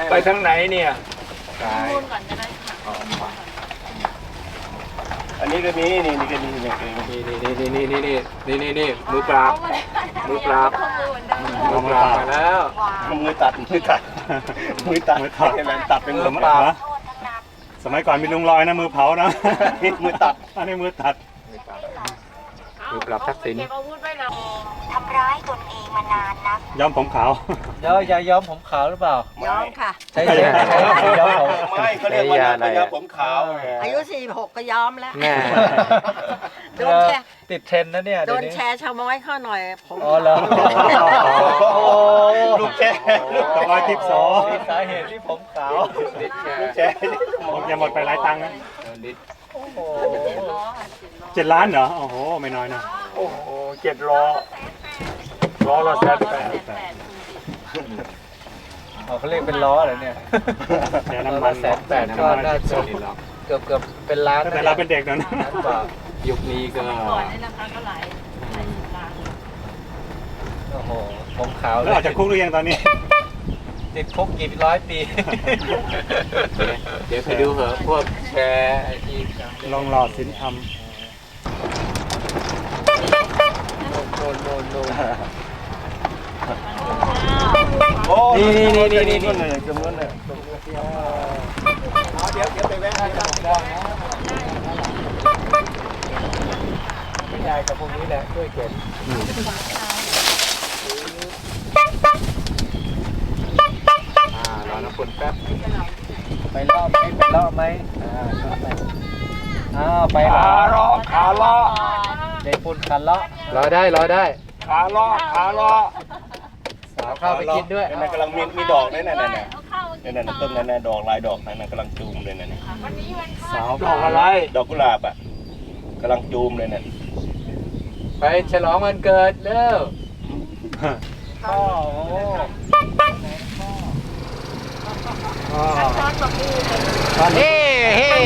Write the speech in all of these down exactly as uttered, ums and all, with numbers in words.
ไปทางไหนเนี่ยมูลก่อนจะได้ค่ะอันนี้ก็มีนี่นี่ก็มีนี่นี่นี่นี่นี่นี่นี่นี่นี่นี่มือปราบมือปราบมือปราบมาแล้วมือตัดมือตัดมือตัดมือตัดตัดเป็นมือปราบสมัยก่อนมีลุงลอยนะมือเผานะมือตัดอันนี้มือตัดมือปราบทักษิณทำร้ายตนเองมานานนักย้อมผมขาวย้อมยาย้อมผมขาวหรือเปล่าย้อมค่ะใช่ใช่ย้อมผมไม่เขาเรียกว่ายาผมขาวอายุสี่หกก็ย้อมแล้วโดนแชร์ติดเทรนนะเนี่ยโดนแชร์ชาวม้อยเข้าหน่อยผมอ๋อเหรอลูกแชร์ลูกตะลอยทิพย์สองสาเหตุที่ผมขาวลูกแชร์ผมจะหมดไปหลายตังค์นะเจ็ดล้านเหรอโอ้โหไม่น้อยนะโอ้โหเจ็ดล้อล้อละแสนแปดเขาเรียกเป็นล้อเหรอเนี่ยเดี๋ยวน้ำมันแสนแปดก็น่าจะเกือบเกือบเป็นล้านแต่เราเป็นเด็กนะยุคนี้ก็ก่อนนี่นะคะก็หลายหลายสิบล้านโอ้โหผมขาวแล้วออกจากคุกหรือยังตอนนี้ติดคุกกี่ร้อยปีเดี๋ยวไปดูเหอะพวกแชร์ที่ลองหล่อสินธรรมโดนโดนโดนโอ้นี่นี่นี่นี่นี่เลยจำนวนเลยเดี๋ยวเดี๋ยวไปแวะไม่ได้กับพวกนี้แหละช่วยเก็บรอน้ำฝนแป๊บไปรอบไหมไปรอบไหมอ่าอ้าวไปขาล้อขาล้อเด็กปุ่นขาล้อรอได้รอได้ขาล้อขาล้อสาวเข้าไปกินด้วยนั่นกำลังมีมีดอกนั่นน่ะนั่นน่ะนั่นน่ะต้นนั่นน่ะดอกลายดอกนั่นน่ะกำลังจูมเลยนั่นน่ะสาวดอกอะไรดอกกุหลาบอ่ะกำลังจูมเลยนั่นไปฉลองวันเกิดเร็วพ่อโอ้เฮ้เฮ้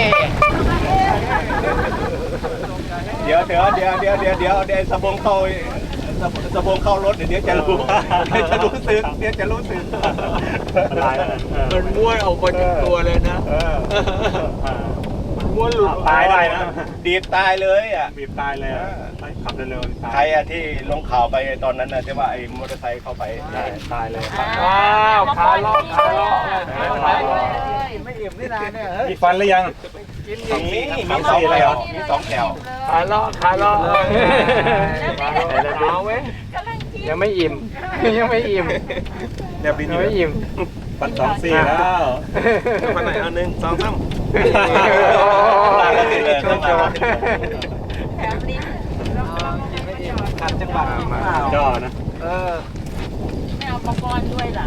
เดี๋ยวเดี๋ยวเดี๋ยวเดี๋ยวเดี๋ยวเดี๋ยวเดี๋ยวสะบงเข้าสะบงเข้ารถเดี๋ยวจะรู้เดี๋ยวจะรู้สึกเดี๋ยวจะรู้สึกมันม้วนออกมาจากตัวเลยนะมันม้วนหลุดตายได้นะดีบตายเลยอ่ะบีบตายเลยขับเร็วๆใครอ่ะที่ลงข่าวไปตอนนั้นน่ะที่ว่าไอ้มอเตอร์ไซค์เข้าไปตายเลยว้าวขาล้อขาล้อไม่อิ่มนี่นานเนี่ยมีฟันหรือยังมีมีสองแถวมีสองแถวขาล้อขาล้อเอาเว้ยยังไม่อิ่มยังไม่อิ่มยังไม่อิ่มปันสองสี่แล้วปันไหนอันหนึ่งสองสามแถมลิ้นขัดจังหวะย่อนะเออไม่เอาปอกอนด้วยหรอ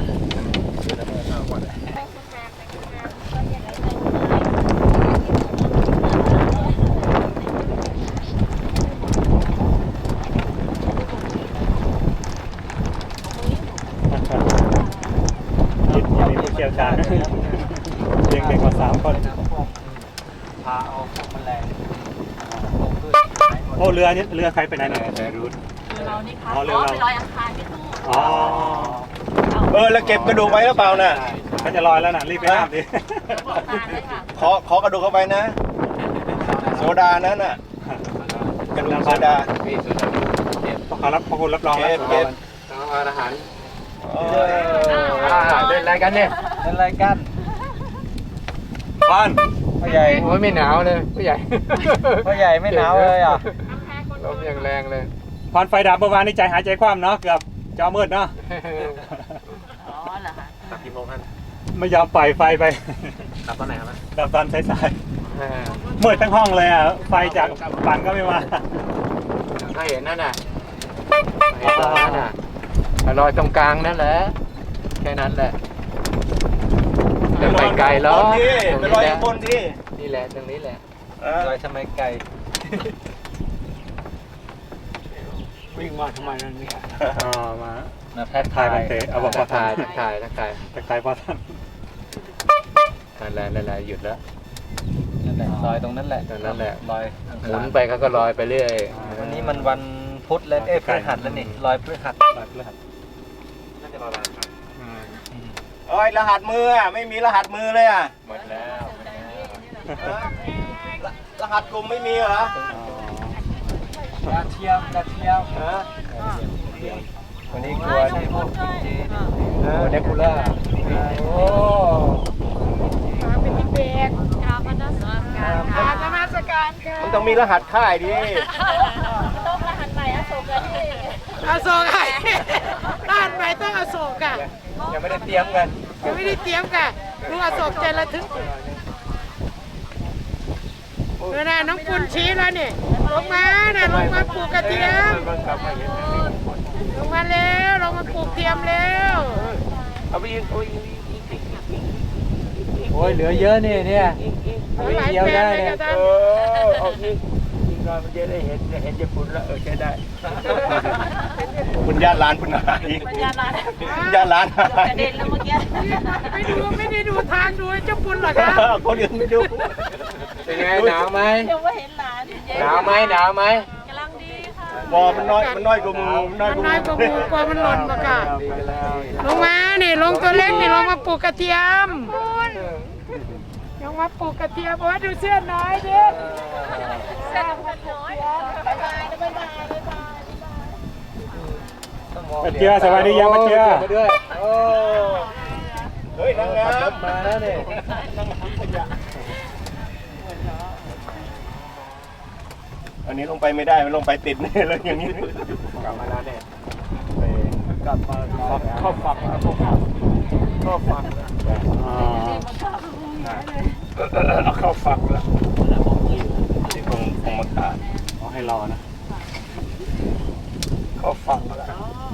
มีผู้เชี่ยวชาญเลี้ยงเด็กมาสามคนพาเอาพวกแมลงโอ้เรือนี้เรือใครไปไหนเนี่ยแต่รู้เรานี่ค่ะอ๋อไปลอยอังคารพี่ตู้อ๋อเออแล้วเก็บกระดูกไว้หรือเปล่าน่ะเขาจะลอยแล้วน่ะรีบไปน้ำดิขอขอกระดูกเข้าไปนะโซดานั้นน่ะกระดูกโซดาต้องขอรับขอบคุณรับรองแล้วเก็บอาหารเล่นอะไรกันเนี่ยเล่นอะไรกันบ้านพ่อใหญ่โอ้ยไม่หนาวเลยพ่อใหญ่พ่อใหญ่ไม่หนาวเลยอ่ะลมยังแรงเลยพรไฟดับเมื่อวานนี้ใจหายใจคว่ำเนาะเกือบจอมืดเนาะอ๋อเหรอคะดับกี่โมงท่านไม่ยอมปล่อยไฟไปดับตอนไหนครับดับตอนสายๆมืดทั้งห้องเลยอ่ะไฟจากปั่นก็ไม่มาถ้าเห็นนั่นน่ะเห็นนั่นน่ะลอยตรงกลางนั่นแหละแค่นั้นแหละจะไปไกลแล้วไปลอยบนที่นี่แหละตรงนี้แหละลอยทำไมไกลวิ่งมาทำไมนั่นเนี่ยอ๋อมาทักทายเตะเอาบอกว่าถ่ายถ่ายทักทายทักทายพ่อท่านนั่นแหละนั่นแหละหยุดแล้วนั่นแหละลอยตรงนั้นแหละตรงนั้นแหละลอยหมุนไปเขาก็ลอยไปเรื่อยวันนี้มันวันพุธแล้วเอ้ยพฤหัสแล้วนี่ลอยพฤหัสลอยพฤหัสน่าจะลอยวันอังคารเอ้ยรหัสมืออ่ะไม่มีรหัสมือเลยอ่ะหมดแล้วหมดแล้วเออรหัสกลุ่มไม่มีเหรอดาวเทียมดาวเทียมฮะวันนี้กลัวใช่พวกจีนโอ้เดคูล่าโอ้เป็นที่เบกกราบนมัสการค่ะนมัสการค่ะมันต้องมีรหัสค่ายดิต้องรหัสใหม่อโศกกันอโศกไงรหัสใหม่ต้องอโศกอ่ะยังไม่ได้เตรียมกันยังไม่ได้เตรียมกันลุงอโศกใจระทึกเมื่อน่ะน้องปุณชี้แล้วนี่ลงมาน่ะลงมาปลูกกระเทียมลงมาแล้วลงมาปลูกเทียมแล้วเอาไปอีกเอาไปอีกโอ้ยเหลือเยอะนี่เนี่ยเอาไปหลายเดียวแปลได้งเลยเนี่ยกระทันเออเอาอีกอีกหน่อยมันจะได้เห็นเห็นญี่ปุ่นแล้วเออใช้ได้คุณญาติร้านคุณหายคุณญาติร้านญาติร้านหายเด่นแล้วเมื่อกี้ไม่ดูไม่ได้ดูทางดูเจ้าปุณหรอครับคนอื่นไม่ดูเป็นไงหนาวไหมเดี๋ยวว่าเห็นหลานหนาวไหมหนาวไหมกำลังดีค่ะบอมันน้อยมันน้อยกว่ามือมันน้อยมันกว่าน้อยกว่าหมูกว่ามันหล่นมาค่ะดีกันแล้วลงมานี่ลงตัวเล็กนี่ลงมาปลูกกระเทียมลงมาปลูกกระเทียมโอ้ยดูเสื้อน้อยดิเสื้อน้อยบ๊ายบายบ๊ายบายบ๊ายบายมาเจือสวัสดียังมาเจือมาด้วยโอ้เฮ้ยนางงามมาแล้วเนี่ยอันนี้ลงไปไม่ได้มันลงไปติดแน่เลยอย่างนี้กลับมาแล้วเนี่ยกลับมาเข้าฝักแล้วพวกเราก็ฟังอ๋อเอาเข้าฝักแล้วที่คงคงมาขาดขอให้รอนะเข้าฝักแล้ว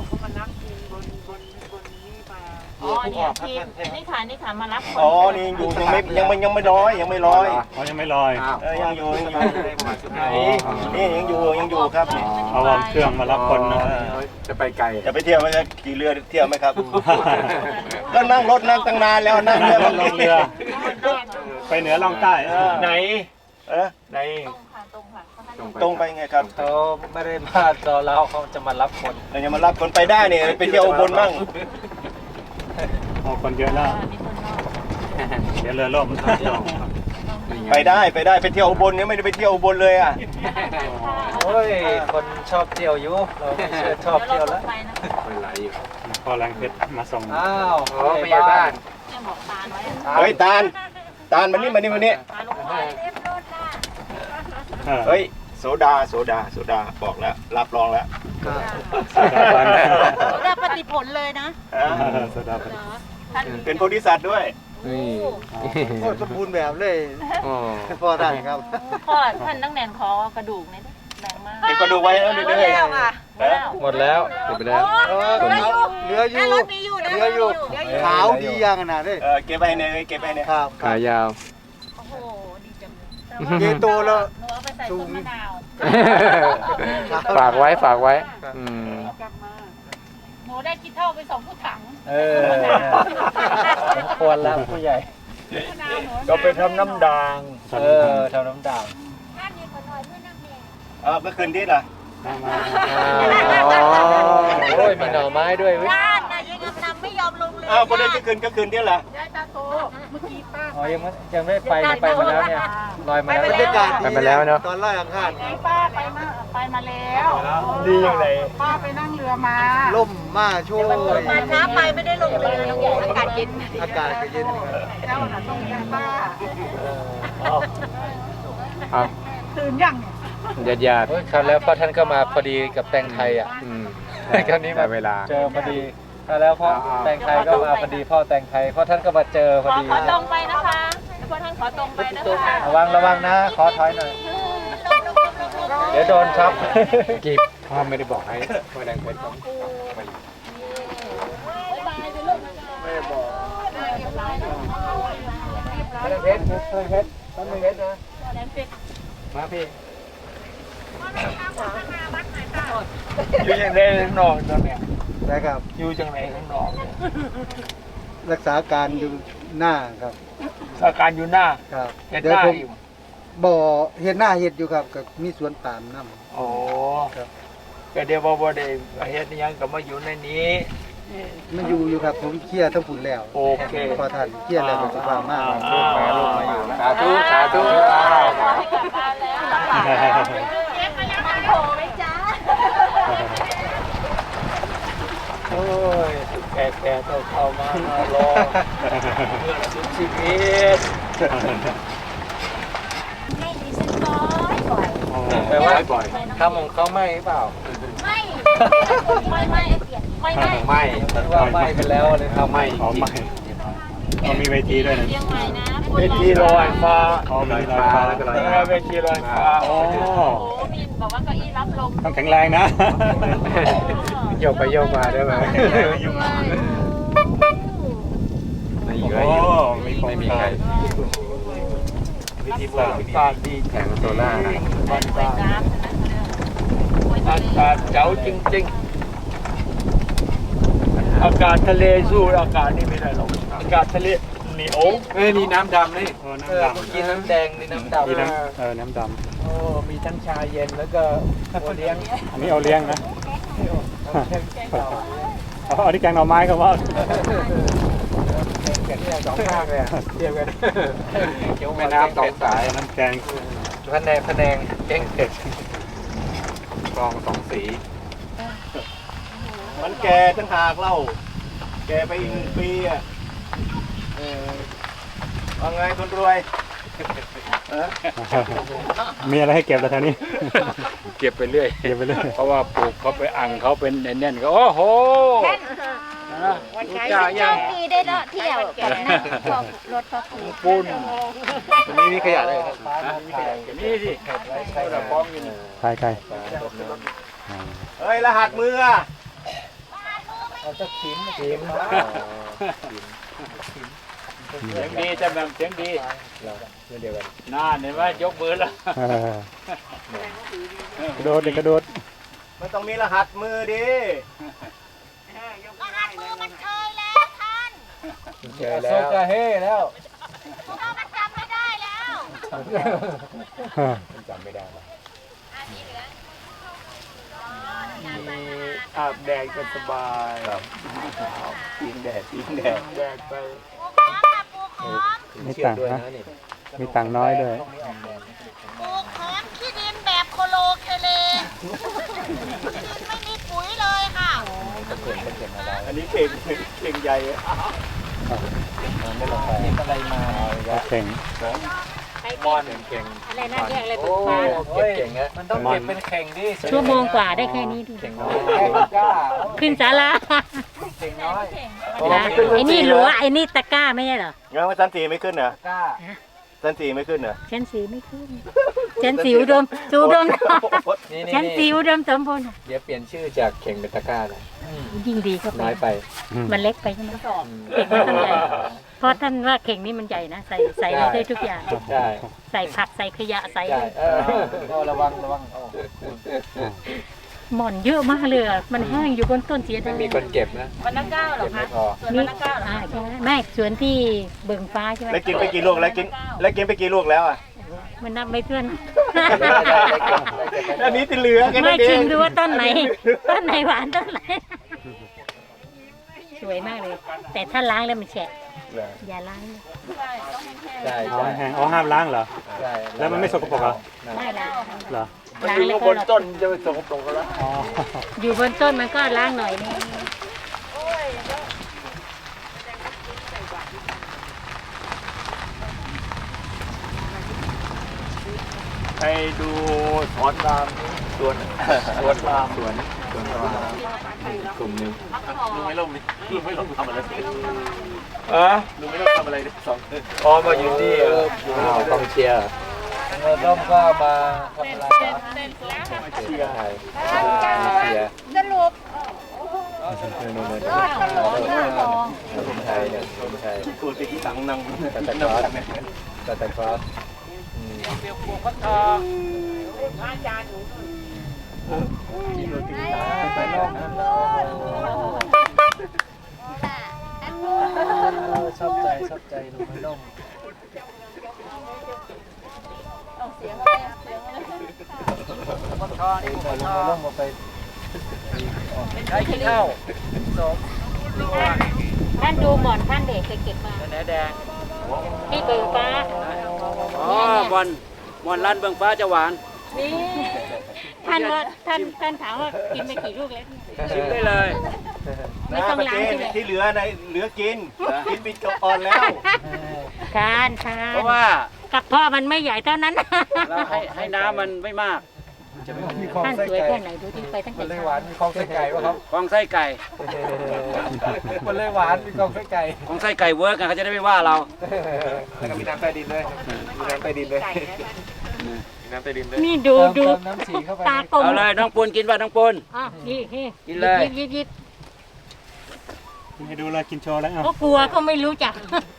อ๋อเนี่ยทีมนี่ค่ะนี่ค่ะมารับคนอ๋อนี่ยังอยู่ยังไม่ยังไม่ยังไม่ร้อยยังไม่ร้อยเขายังไม่ลอยอ้าวเออยังอยู่ยังอยู่นี่ยังอยู่ยังอยู่ครับเอาวอร์มเครื่องมารับคนนะจะไปไกลจะไปเที่ยวไหมครับขี่เรือเที่ยวไหมครับ ก็นั่งรถนั่งตั้งนานแล้วนั่งเรือลงเรือ ไปเหนือล่องใต้ไหนเออไหนตรงค่ะตรงค่ะตรงไปไงครับเขาไม่ได้มารอเราเขาจะมารับคนเราจะมารับคนไปได้เนี่ยไปเที่ยวอุบลมั่งโอ้คนเยอะแล้ว เดี๋ยวเรือล่มต้องจองไปได้ไปได้ไปเที่ยวอุบลเนี่ยไม่ได้ไปเที่ยวอุบลเลยอ่ะโอ้ยคนชอบเที่ยวอยู่เราไม่เชื่อชอบเที่ยวแล้วเป็นไรอยู่พอแรงเพชรมาส่งอ้าวโอ้ไม่ใช่บ้านเนี่ยบอกตาลไว้เฮ้ยตาลตาลมานี่มานี่มานี่ตาลงไปเรียบร้อยค่ะเออเฮ้ยโซดาโซดาโซดาบอกแล้วรับรองแล้วสดาบันได้ปฏิผลเลยนะอ่าสดาบันเป็นโพธิสัตว์ด้วยนี่โอ้สมบูรณ์แบบเลยอ๋อพอได้ครับพ่อท่านต้องแหนนคอกระดูกเนี่ยแบ่งมากเก็บกระดูกไว้แล้วนี่ด้วยหมดแล้วเก็บไปแล้วเหลืออยู่เหลืออยู่ขาวดีอย่างขนาดนี้เออเก็บไปเนี่ยเก็บไปเนี่ยครับขายาวโอ้โหดีจังเกโตแล้วหนูเอาไปใส่ต้มมะนาวฝากไว้ฝากไว้อืมหนูได้คิดเท่าไปสองผู้ถังเออสมควรแล้วผู้ใหญ่ก็ไปทำน้ำด่างเออทำน้ำด่างเออเมื่อคืนที่ล่ะอ๋อโอ้ยมีหน่อไม้ด้วยเว้ยบ้านน่ะยังกำลังไม่ยอมลงเลยอ้าวคนได้ก็คืนก็คืนที่ล่ะยายตาโตเมื่อกี้ป้าอ๋อยังไม่ยังไม่ไปไปมาแล้วเนี่ยลอยมาแล้วบรรยากาศไปมาแล้วเนาะตอนไล่อังคารป้าไปมาไปมาแล้วดีอย่างไรป้าไปนั่งเรือมาล่มมาช่วยมาช้าไปไม่ได้ลงเรือน้องใหญ่อากาศเย็นอากาศก็เย็นเจ้าน่ะต้องยังป้าเอาตื่นยังเนี่ยญาติญาติโอ้ยคราวแล้วพ่อท่านก็มาพอดีกับแตงไทยอ่ะอืมคราวนี้มาได้เวลาเจอพอดีคราวแล้วพ่อแตงไทยก็มาพอดีพ่อแตงไทยพ่อท่านก็มาเจอพขออดีขอตรงไปนะคะพวกท่านขอตรงไปนะคะระวังระวังนะขอถอยหน่อย เดี๋ยวโดนช็อปกีบพ่อไม่ได้บอกให้พ่อแดงเพชรเขาไม่ได้บอกพ่อแดงเพชรพ่อแดงเพชรพ่อแดงเพชรนะมาพี่อยู่ยังไงข้างนอกตอนเนี้ยนะครับอยู่จังไหนข้างนอกรักษาการอยู่หน้าครับสถานการณ์อยู่หน้าครับเห็นเดี๋ยวหน้าผมอยู่บ่อเห็นหน้าเห็ดอยู่ครับกับมีสวนปาล์มน้โอ้ครับก็เดี๋ยวบ่บ่ได้เฮ็ดอิหยังก็มาอยู่ในนี้มันอยู่อยู่ครับผมเคลียร์ทั้งฝุ่นแล้วโอเคพอทันเคลียร์แล้วผมจะว่ามากลูกมาลูกมาอยู่สาธุสาธุโอ้ยแก่แก่ๆเข้ามารอชีวิตให้ดิฉันบ่อยบ่อยแปลว่าทำของเขาไม่หรือเปล่าไม่ไม่ไม่ไม่ไม่ไม่ว่าไม่ไปแล้วเลยทำไม่อ๋อไม่เขามีเวทีด้วยนะเชียงใหม่นะเวทีลอยฟ้าอ๋อมีลอยฟ้าแล้วก็ลอยน้ำเวทีลอยฟ้าโอ้โอ้มีบอกว่าเก้าอี้รับลมต้องแข็งแรงนะโยกไปโยกมาได้ไหมโอ้มีโครงไม่มีกาใครรวิธีบ้านวิธีฟ้าดีแข่งโซล่าบ้านไปฟ้าน้ำใช่ไหมอากาศเจ๋วจริงๆ อากาศทะเลสู้อากาศนี่ไม่ได้หรอกอากาศทะเลเหนียวเอ้ยนี่น้ำดำนี่โอ้เออน้ำดเมื่อกี้น้ำแดงนี่น้ำำดำมีน้ำเออน้ำดโอ้มีทั้งชาเย็นแล้วก็โอเลี้ยงำอันนี้เอาเลี้ยงนะเอาอันนี้แกงหน่อไม้ครับว่าแกงเนี่ยสองข้างเลยอะเทียบกันแม่น้ำสองสายน้ำแกงพะแนงพะแนงเก่งเผ็ดกลองสองสีมันแก่ทั้งหากเล่า แก่ไปอีกหนึ่งปีอ่ะเออว่าไงคนรวยมีอะไรให้เก็บแล้วท่านี้เก็บไปเรื่อยเก็บไปเลยเพราะว่าปลูกเขาไปอังเขาเป็นแน่นๆก็โอ้โหรู้จักโชยังคดีได้เลาะเที่ยวกับนั่งพวกรถพวกนี้ปุ้นตรงนี้มีขยะเลยครับนี่สิเขาจะพร้อมกันใครใครเฮ้ย รหัสมืออะเอาจะขิมขิมเสียงดีจะแบบเสียงดีน่าเห็นไหมยกมือแล้วกระโดดเด็กกระโดดมันต้องมีรหัสมือดิรหัสมือมันเคยแล้วท่านเจอแล้วโซกาเฮ่แล้วเรามันจำไม่ได้แล้วจำไม่ได้มีอาบแดดกันสบายยิงแดดยิงแดดแดดไปปูขอมค่ะปูขอมมีตังค์นะมีตังค์น้อยด้วยปูขอมขี้ดินแบบโคโลเคเลไม่มีปุ๋ยเลยค่ะอันนี้เข่งเข่งใหญ่อะไม่ลงไปอะไรมาเก่งมอนเก่งอะไรน่าเรียกอะไรโอ้เก็บเก่งอะมันต้องเก็บเป็นเข่งดิชั่วโมงกว่าได้แค่นี้ดูเก่งน้อยแข่งกล้าขึ้นศาลาเก่งน้อยไอ้นี่หลัวไอ้นี่ตะกร้าไม่ใช่เหรองั้นว่าชั้นสี่ไม่ขึ้นเหรอกล้าชั้นสี่ไม่ขึ้นเหรอชั้นสีไม่ขึ้นชั้นสีอุดมสูดมนี่ชั้นสีนี่อุดมสมบูรณ์เดี๋ยวเปลี่ยนชื่อจากเข่งเป็นตะกร้านะยิ่งดีเข้าไปน้อยไปมันเล็กไปใช่ไหมเข่งมันใหญ่เพราะท่านว่าเข่งนี้มันใหญ่นะใส่ใส่อะไรได้ทุกอย่างใช่ใส่ผักใส่ขยะใส่ใช่เออโอ้ระวังระวังโอ้หม่อนเยอะมากเลยอะมันแห้งอยู่บนต้นเสียดาไม่ยมีคนเก็บนะวันละเก้าเหรอเก็บไม่คะพอส่วนวันละเก้าเหรออ่าใช่ไหมไม่สวนที่เบิ่งฟ้าใช่ไหมแล้วกินไปกี่ลูกแล้วกินแล้วกินไปกี่ลูกแล้วอ่ะมันนับไม่เพื่อนอันนี้ติเหลือแค่ไม่นั้นเอชิมงดูว่าต้นไหน ต้นไหนหวานต้นไหน สวยมากเลย แต่ถ้าล้างแล้วมันแฉะอย่าล้างนะใช่อ๋อใช่แห้งอ๋อห้ามล้างเหรอใช่แล้วมันไม่สกปรกเหรอไม่ล้างเหรอมันล้างอยู่แล้วบก็นต้นจะไปสกปรกแล้วอ๋ออยู่บนต้นมันก็ล้างหน่อยนึงไปดูสอนรามสวนสวนรามสวนสวนรามกลุ่มหนึ่งลุงไม่ลงนี่ลุงไม่ลงทำอะไรอะลุงไม่ลงทำอะไรสองพอมาอยู่ที่เอออ้าวกองเชียร์เราต้องก็มาทำอะไรนะเชียร์ไทยเชียร์สรุปนู่นๆๆรอดตลอดหน้าทองคนไทยเนี่ยคนไทยตัวตีที่ตังนังซานตาคลอสซานตาคลอสอืมไปนอกนั้นแล้วชอบใจชอบใจหนูไม่ต้องเสียงอะไรเสียงอะไรมันคอนี่มันคอลงมาไปใช้ขี้เท่าสมท่านดูหมอนท่านเด็กเคยเก็บมาแหนแดงที่เบิกฟ้าอ๋อมอนมอนร้านเบิงฟ้าจะหวานนี่ท่านว่าท่านท่านถามว่ากินไปกี่ลูกแล้วชิมได้เลยไม่ต้องล้างใช่ไหมที่เหลือในเหลือกินกินปิดกระปอนแล้วทานทานเพราะว่ากับพ่อมันไม่ใหญ่เท่านั้นเราให้ให้น้ำมันไม่มากมีคลองท่านไส้สวยไก่แค่ไหนดูที่ไปตั้งมัแต่นเลยเช้าหวานมีคลองไส้ไก่ป่ะครับของไส้ไก่มันเลยหวานมีคลองไส้ไก่ของไส้ไก่เวิร์กอะเขาจะได้ไม่ว่าเราแล้วก็มีน้ำใต้ดินเลยมีน้ำใต้ดินเลยมีน้ำใต้ดินเลยนี่ดูเติมดูเติมน้ำสีเข้าไปตากลมเอาเลยน้องปูนกินป่ะน้องปูนอ่ะนี่นี่กินเลยยิบยิบยิบให้ดูเลยกินโชว์แล้วก็กลัวก็ไม่รู้จัก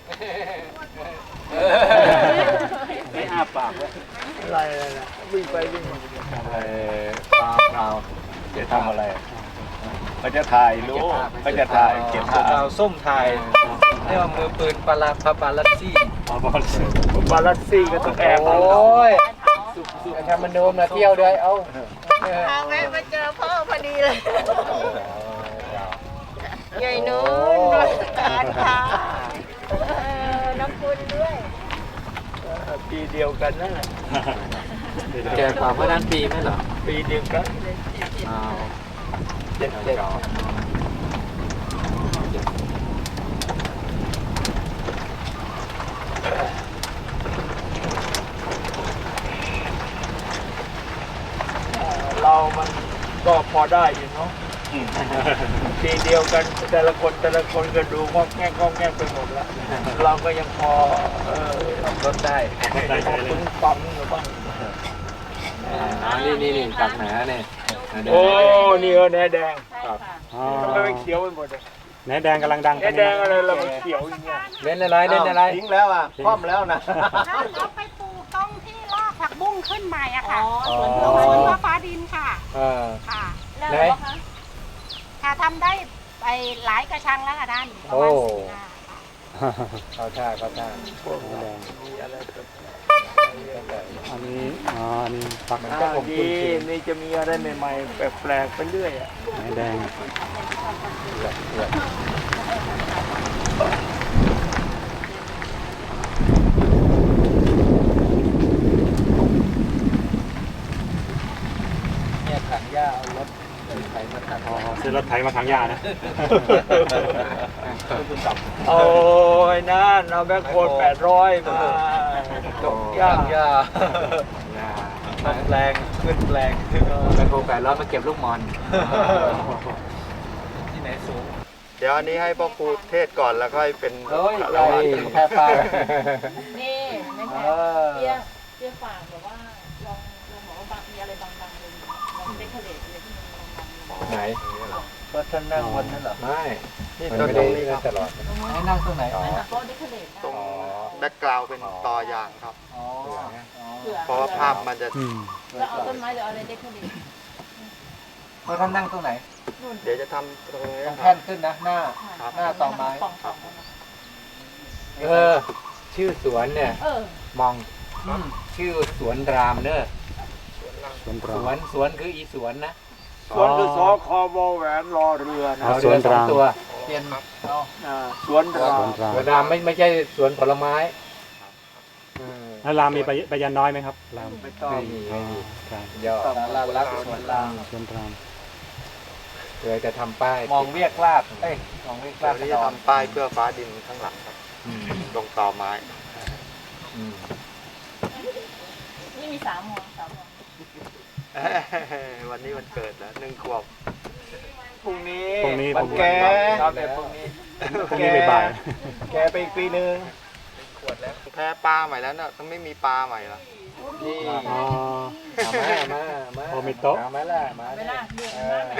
ไม่อาปากเลยอะไรนะวิ่งไปวิ่งมาเออเปล่าเปล่าจะทำอะไรเขาจะถ่ายรู้เขาจะถ่ายเก็บภาพเราส้มไทยเรียกว่ามือปืนปาราพาปาลัสซี่อ๋อบอลบาลัสซี่ก็ต้องแอบโอ้ยทำมันโดมนะเที่ยวด้วยเอาทางแม่มาเจอพ่อพอดีเลยใหญ่นู้นรัชการค่ะเออน้ำคุณด้วยปีเดียวกันนั่นแหละแกกว่าเมื่อนั้นปีไหมเหรอปีเดียวกันอ้าวเจ็ดเจ็ดเรามันก็พอได้อยู่เนาะปีเดียวกันแต่ละคนแต่ละคนก็ดูงอกแงกงอกแงกไปหมดแล้ว เราก็ยังพอเออรถได้ได้ใจเลปึ้ยงปั๊มอยู่บ้างอ๋อนี่นี่นี่ตักหนาเนี่ยโอ้นี่เออแหนแดงอ๋อทำไมมันเขียวไปหมดเลยแหนแดงกำลังดังแหนแดงอะไรเรามันเขียวอย่างเงี้ยเล่นอะไรเล่นอะไรทิ้งแล้วอ่ะคว่ำแล้วนะถ้าเราไปปลูกตรงที่ลากผักบุ้งขึ้นใหม่อะค่ะอ๋อตรงสวนพ่อฟ้าดินค่ะเออค่ะไหนค่ะทำได้ไปหลายกระชังแล้วค่ะท่านประโอ้มาณสี่ห้าค่ะเข้าท่าเข้าท่าอันนี้อ๋ออันนี้ปักมันแก็ผมคุ้นชินนี่จะมีอะไรใหม่ๆแปลกๆไปเรื่อยอ่ะหนแดงเนี่ยถังหญ้าเอารถไถมาตัดอ๋อซื้อรถไถมาทางยานะโอ้ยนั่นเอาแบคโคลแปดร้อยมาตกยากหญ้ามันแปลงขึ้นแปลงแบคโฮแปดร้อยมาเก็บลูกมอนที่ไหนสูงเดี๋ยวอันนี้ให้พ่อครูเทศก่อนแล้วก็ให้เป็นเฮ้ยไรแค่ป้านี่นะเอคะอเตี้ยเตี้ยฝากแบบว่าลองลองบอกว่าบางมีอะไรบางๆเลยลองเดคอเรทอะไรที่มันบางๆไหนก็ท่านนั่งวันนั้นเหรอไม่นี่มันต้นไม่ตได้รงนี้ครับตลอดให้นั่งตรงไหนอ๋อโต๊ะเดคอเรทได้ตรงแบ็กกราวด์เป็นตอยางครับอ๋อเผื่อเพราะว่าภาพมันจะอืมแล้วเอาต้นไม้หรือเอาอะไรเดคอเรทเพราะท่านนั่งตรงไหนเดี๋ยวจะทำตรงนี้ตรงคแท่รับนขึ้นนะหน้า หน้าต่อไม้ป่องๆนะเออ ชื่อสวนเนี่ยเออมองชื่อสวนรามเนอะสวนสรามวนสวนคืออีสวนนะสวนคือสอคอวอแหวนรอเรือนะอ๋อเอาสวนเรือสองรามตัวเปลี่ยนเอาอ่าสวนรอสวนรามสวนรามไม่ไม่ใช่สวนผลไม้เออแล้วรามมีใบใบยันน้อยไหมครับรามไม่ต้องไม่มีไม่มีครับยอดสาราลักษณ์สวนรามสวนรามเพื่อจะทำป้ายมองเวียกลาดเอ้ยมองเวียกเดี๋ลายวดนี้จะทำป้ายเพื่อฟ้าดินข้างหลังครับอืมตรงต่อไม้อืมนี่มีสามหัวสามหัววันนี้วันเกิดแล้วหนึ่งขวบพรุ่งนี้พรุ่งนี้วันแกครับเดี๋ยวพรุ่งนี้พรุ่งนี้บ่ายแกไปอีกปีหนึ่งแพ้ปลาใหม่แล้วน่ะต้องไม่มีปลาใหม่ละนี่ๆอ๋อเอามามามาโอ้มีโต๊ะเอามาล่ะมาเวลาเดือดเอมาอก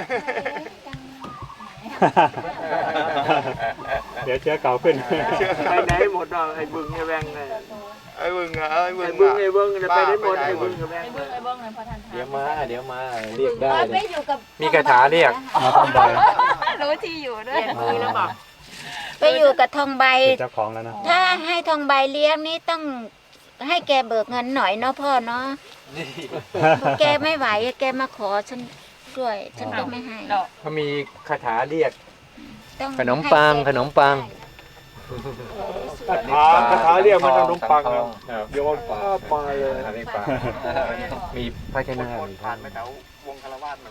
เลยเดี๋ยวเชื้อเก่าขึ้นไปไหนหมดอ่ะไอ้บึงไอ้แวงไงไอ้บึงอ่ะไอ้บึงไอ้บึงไอ้บึงจะไปได้หมดไอ้บึงไอ้แวงไอ้เบิ้งไอ้เบิ้งเลยพอทันทานเดี๋ยวมา เดี๋ยวมา เรียกได้ไม่เลยอยู่กับมีคาถาเรียกมาทำใบรู้ที่อยู่ด้วยมือแล้วบอกไปอยู่กับทองใบเป็นเจ้าของแล้วนะถ้าให้ทองใบเลี้ยงนี่ต้องให้แกเบิกเงินหน่อยเนาะพ่อเนาะแกไม่ไหวแกมาขอฉันด้วย ฉันก็ไม่ให้ดอกเขามีคาถาเรียกต้องขนมปังให้แกขนมปังคาถาคาถาเรียกมันขนมปังครับโยนป้ามาเลยอันนี้ปังมีภาชนะมีทานไหมวงคารวาสมัน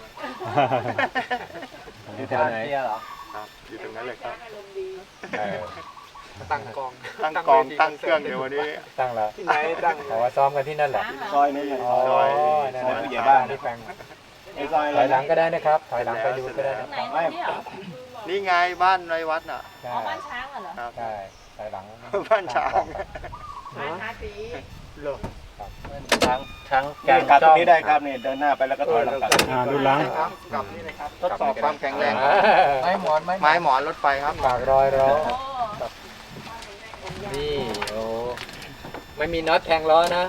อยู่แถวไหนอยู่ตรงนั้นเลยครับเออตั้งกองตั้งกองตั้งเครื่องเดี๋ยววันนี้ตั้งแล้วที่ไหนตั้งแต่ว่าซ้อมกันที่นั่นแหละซอยนี้เลยอ๋อซอยนั่นซอยแหละผู้ใหญ่บ้านที่แปลงไอ้ซอยถอยหลังก็ได้นะครับ ถอยหลังไปดูก็ได้นะไหนตรงนี้เหรอนี่ไงบ้านในวัดน่ะใช่อ๋อบ้านช้างเหรอครับใช่ถอยหลังบ้านช้างบ้านทาสีช้างช้างนี่กลับตรงนี้ได้ครับนี่เดินหน้าไปแล้วก็ถอยหลังกลับอ่าดูหลังกลับนี่เลยครับทดสอบความแข็งแรงไม้หมอนไม้ไม้หมอนรถไฟครับปากรอยร้อโอ้นี่โอ้ไม่มีน็อตแทงล้อนะ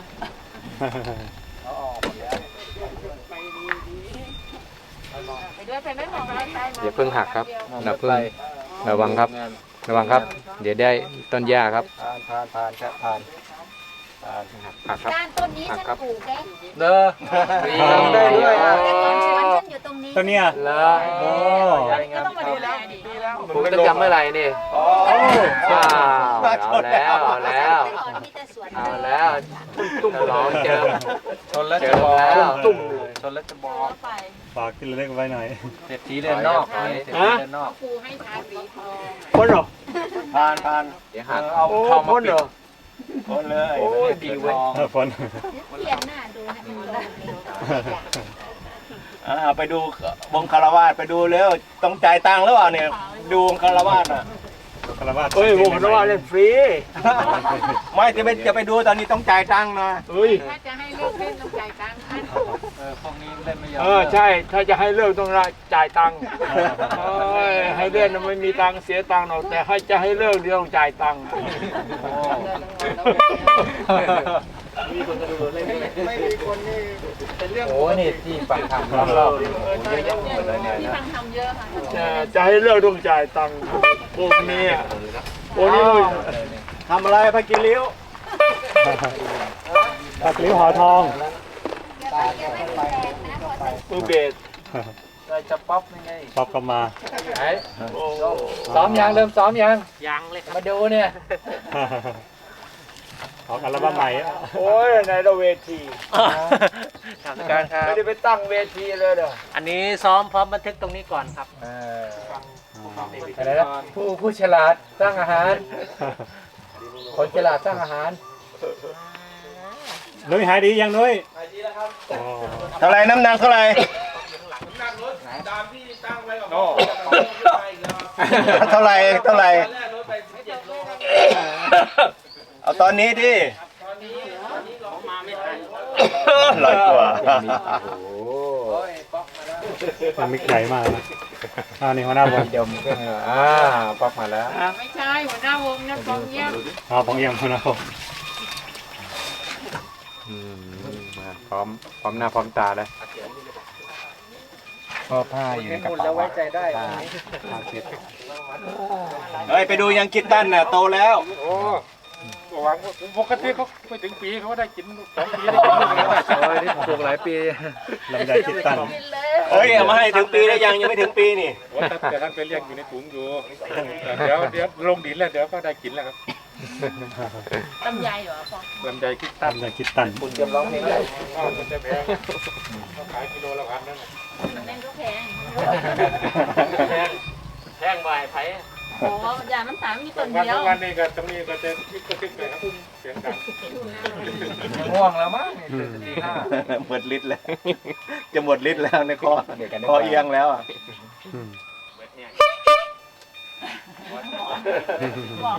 ไปด้วยไปไม่มองอะไรไปเดี๋ยวเพิ่งหักครับอย่าเพิ่งระวังครับ ระวังครับ เดี๋ยวได้ต้นหญ้าครับผ่านผ่านผ่านครับผ่านหักครับก้านต้นนี้ฉันปลูกได้เด้อได้ด้วยแต่ก่อนสวนฉันอยู่ตรงนี้ตัวเนี้ยเลโอ้ก็ต้องมาดูแลดิผมตั้งแต่เมื่อไหร่นี่อ๋อว้าวเอาแล้วเอาแล้วแต่ก่อนมีแต่สวนเอาแล้วตุ้มร้องเจอชนแล้วเจจะอบอกแล้วตุ้มเลยชนแล้วจะบอกไปฝากที่ระลึกไว้หน่อยเศรษฐีเดินนอกเศรษฐีเดินนอกครูให้ทาสีพอพ้นเหรอผ่านผ่านเดี๋ยวหักเอาโอ้เข้ามาพ้นปิเหรดอพ้นเลยโอ้ยดีเว้ยเออฝนเปลี่ยนหน้าดูให้มันลงเร็วอ่าไปดูวงคารวาสไปดูแล้วต้องจ่ายตังค์หรือเปล่าเนี่ยดูวงคารวาสอ่ะคารวะเฮ้ยวงคารวาสเล่นฟรี ไม่จะไปจะไปดูตอนนี้ต้องจ่ายตังค์นะเฮ้ยถ้าจะให้เลิกเล่นต้องจ่ายตังค์พันเออพวกนี้เล่นไม่ยอมเออใช่ถ้าจะให้เลิกต้องจ่ายตังค์เอ้ยให้เล่นน่ะไม่มีตังค์เสียตังค์หรอกแต่ให้จะให้เลิกเดี๋ยวต้องจ่ายตังค์มีคนจะดูเล่นไม่มีคนนี่เป็นเรื่องโอ้นี่ที่ปักทำรอบๆนี่โอ้เยอะแยะหมดเลยเนี่ยที่นะฟังทำเยอะค่ะจะจะให้เลิกต้องจ่ายตังค์พวกนี้อ่ะโอ้นี่ทำอะไรพากินลิ้วตักลิ้วหอทองแกไปแกไม่มีแรงนะพอใส่มือเบสเราจะป๊อปยังไงป๊อปก็มาไหนซ้อมยังเริ่มซ้อมยังยังเลยครับมาดูเนี่ยออกอัลบั้มใหม่อะโอ้ยในเราเวทีทางการครับไม่ได้ไปตั้งเวทีเลยเด้ออันนี้ซ้อมพร้อมบันทึกตรงนี้ก่อนครับเอออะไรนะผู้ผู้ฉลาดสร้างอาหาร คนฉลาดสร้างอาหารนุ้ยหายดียังนุ้ยหายดีแล้วครับอ๋อเท่าไรน้ำหนักเท่าไรเท่าไรเท่าไรเอาตอนนี้ดิลอยกว่าโอ้มันมิกใหญ่มากนะอ่านี่หัวหน้าวงดมก็เหรออ่าป๊อกมาแล้วไม่ใช่หัวหน้าวงนะกองเยี่ยมอ๋อผมเอี่ยมหัวหน้าวงอืมมาพร้อมพร้อมหน้าพร้อมตาเลยก็ผ้าอยู่ในกระเป๋าแล้วไว้ใจได้ผ้าเช็ดเฮ้ยไปดูยังกิตตันน่ะโตแล้วหวังปกติเขาไปถึงปีเขาได้กินสองปีได้กินลูกแล้วโอ้ยนี่ปลูกหลายปีลำไยคิดตันเฮ้ยเอามาให้ถึงปีแล้วยังยังไม่ถึงปีนี่แต่ท่านไปเรียกอยู่ในถุงอยู่เดี๋ยวเดี๋ยวลงดินแล้วเดี๋ยวก็ได้กินแล้วครับลำไยเหรอพ่อลำไยคิดตั้งลำไยคิดตันคุณเตรียมร้องเพลงได้มันจะแพงเขาขายกิโลละพันนั่นแม่งก็แพงแพงแพงบ่ายไผ่โอ้ยามันสามมีต้นวันเดียวทุกวันนี้ก็ตรงนี้ก็จะคิดก็คิดเลยครับเสียงดังง่วงแล้วมั้งนี่ตื่นตีห้าหมดฤทธิ์แล้ว จะหมดฤทธิ์แล้วในคอเดี๋ยวกันคอเอียงแล้วอ่ะอืมบอก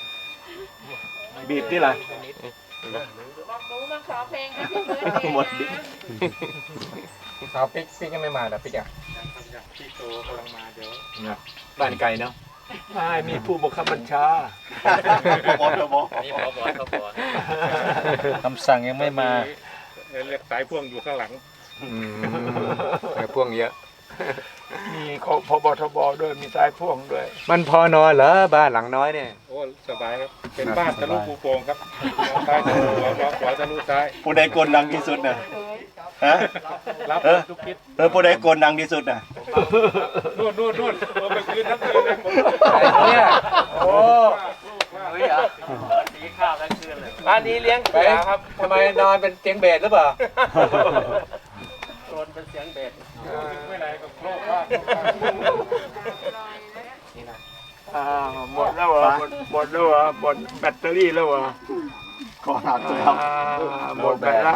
บีบที่ไรบอกหนูมาขอเพลงให้พี่เบิร์ดเองหมดฤทนะธิ์สาวปิ๊กปิ๊กยังไม่มาแต่ปิ๊กอ่ะพี่โตกำลังมาเดี๋ยวนะบ้านไกลเนาะไม่มีผู้บังคับบัญชานี่พอบอกเขาบอกคำสั่งยังไม่มาเรียกสายพ่วงอยู่ข้างหลังอืมแต่พ่วงเยอะมีพบทบด้วยมีสายพ่วงด้วยมันพอนอนเหรอบ้านหลังน้อยเนี่ยโอ้สบายครับ เป็นบ้านทะลุปูโป่งครับซ้ายทะลุหัวขวาทะลุซ้ายผู้ใดโกนดังที่สุดน่ะฮะรับเออทุกทิศเออผู้ใดโกนดังที่สุดน่ะนู่นนู่นนู่นเออไปคืนทั้งคืนเลยผมไอ้เนี่ยโอ้เฮ้ยเหรอสีข้าวทั้งคืนเลยบ้านนี้เลี้ยงไปเสือครับทำไมนอนเป็นเตียงเบสหรือเปล่าโดนเป็นเสียงเบสไม่ไหนก็โลกว่าอ่าหมดแล้วเหรอหมดหมดแล้วเหรอหมดแบตเตอรี่แล้วเหรอขอถามเลยครับอ่าหมดแบตแล้ว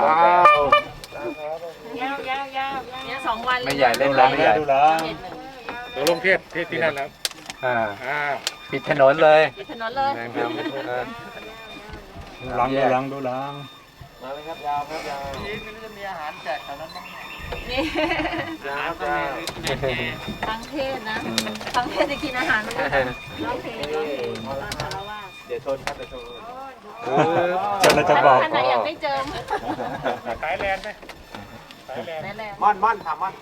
ยาวยาวยาวเนี่ยสองวันไม่ใหญ่เล่นแล้วไม่ใหญ่ดูแลเดี๋ยวลงเทศเทศที่นั่นแล้วอ่าอ่าปิดถนนเลยปิดถนนเลยนะครับเออดูหลังดูหลังดูหลังมาเลยครับยาวครับยาวนี่ไม่รู้จะมีอาหารแจกแถวนั้นบ้างนี่ยาวก็มีทั้งเทศนะทั้งเทศจะกินอาหารมันก็ร้องเพลงร้องเพลงตอนคารวะเดี๋ยวชนครับเดี๋ยวชนเออจะเราจะบอกท่านไหนอยากไม่เจิมสายแลนไหมสายแลนนั่นแหละมั่นมั่นถามมั่น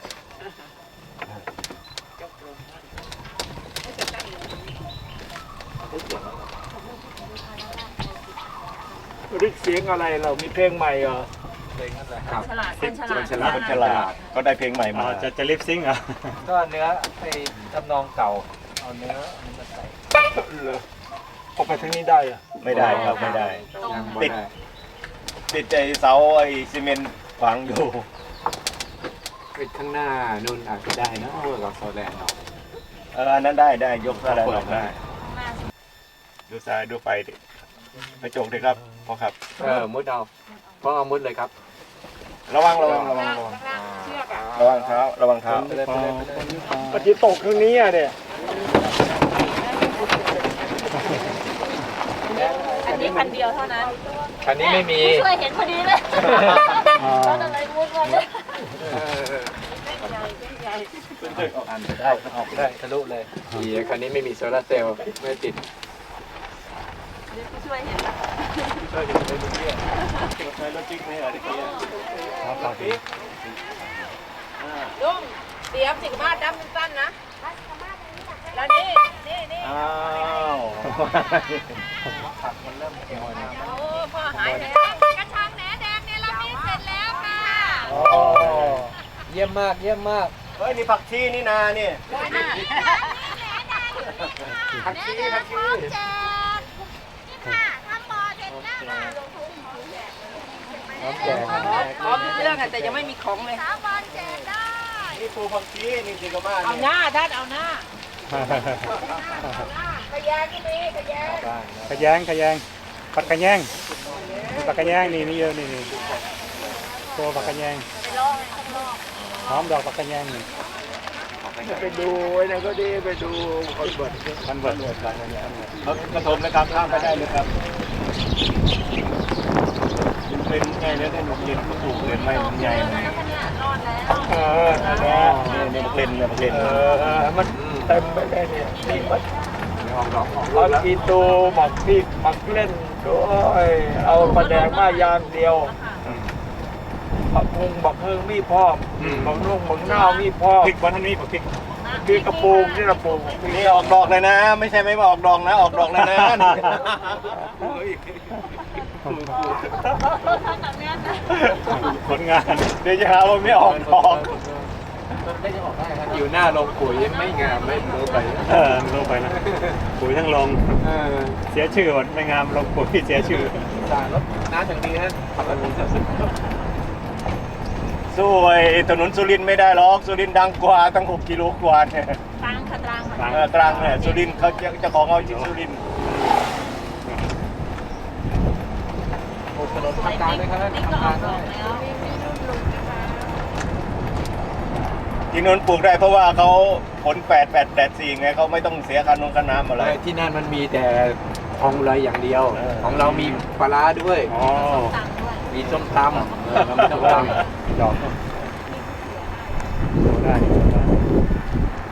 ริกเสียงอะไรเรามีเพลงใหม่เหรอฉลาดคนฉลาดฉลาดคนฉลาดก็ได้เพลงใหม่มาอ่าจะจะลิปซิงค์เหรอ่ะก็เนื้อไอ้ทำนองเก่าเอาเนื้ออันนี้มาใส่เหรอออกไปทางนี้ได้เหรอะไม่ได้ครับไม่ได้ยังบ่ติดได้ติดไอ้เสาไอ้ซีเมนต์ขวางอยู่ปิดข้างหน้านู่นอาจจะได้นะเวอร์กับโซแลนด์เนาะเอออันนั้นได้ได้ยกอะไรออกได้ ดูซ้ายดูไปดิกระจกดิครับพ่อครับเออมุดเอาเพราะเอามุดเลยครับระวังระวังระวังระวังระวังเท้าระวังเท้าไปเลยไปเลยไปเลยปฏิตกทางนี้อ่ะเนี่ยอันนี้พันเดียวเท่านั้นคันนี้ไม่มีช่วยเห็นพอดีเลยแล้วอะไรมุดมาเลยเอออันได้ออกได้ทะลุเลยดีคันนี้ไม่มีโซลาร์เซลล์ไม่ติดช่วยเห็นนะใช้รถจิ๊กไหมอ่ะที่ลุงเตรียมสิบห้าดำสั้นนะแล้วนี่นี่นี่อ้าวโอ้พ่อหายแล้วกระชังแหนแดงเนี่ยเรามีเสร็จแล้วค่ะโอ้เยี่ยมมากเยี่ยมมากเฮ้ยนี่ผักชีนี่นานี่ผักชีผักชีนี่ค่ะทำบอเสร็จแล้วค่ะน้ำแจกพร้อมทุกเรื่องแต่ยังไม่มีของเลยสาวบอลแจกได้นี่ปูผักชีนี่สิกมาเอานี่หน้าท่านเอาหน้าขยะก็มีขยะขยงขยงปักกระแยงปักกระแยงนี่นี่เยอะนี่นี่ตัวปักกระแยงหอมดอกปักกระแยงนี่ไปดูไอ้นั่นก็ดีไปดูคอนเวิร์ตมันเบิดเบิดกันเขากระทมนะครับข้ามไปได้เลยครับมันเป็นไงแล้วได้หนุกเย็นก็ถูกเลยไม่มันใหญ่เลยเออนั่นแหละนี่นี่มันเป็นเนี่ยมันเป็นเออมันเต็มไปเลยเนี่ยนี่มันไม่ออกดอกออกเอากีตูหมักพริกหมักเล่นด้วยเอาปลาแดงมายางเดียวบักฮุงบักเฮิงมีพร้อมบักนุ่งบักนาวมีพร้อมพริกวันนี้พริกคือกระปูกนี่กระปูกนี่ออกดอกเลยนะ ไม่ใช่ไม่มาออกดอกนะออกดอกเลยนะนี่ผลงานเดี๋ยวจะหาว่าไม่ออกดอกอยู่หน้าโรงปุ๋ยไม่งามไม่รู้ไปเออลงไปนะปุ๋ยทั้งลงเออเสียชื่อหมดไม่งามลงปุ๋ยเสียชื่อสารรถน้ำอย่างดีฮะสู้ไอ้ถนนสุรินทร์ไม่ได้หรอกสุรินทร์ดังกว่าตั้งหกกิโลกว่าเนี่ยตรังค่ะตรังตรังเออตรังเนี่ยสุรินทร์เขาจะเจะของเอาจริงสุรินทร์ถนนทำการด้วยครับนี่ก็ทำอการอกดด้อวยกแล้วที่นนท์ปลูกได้เพราะว่าเขาผลแปดแปดแปดสี่ไงเขาไม่ต้องเสียค่านงค่าน้ำอะไรที่นั่นมันมีแต่ทองเลยอย่างเดียวเออของเรามีปลาร้าด้วยอ๋อตังด้วยมีส้มตำเออเรามีส้มตำดอกดูได้ดูได้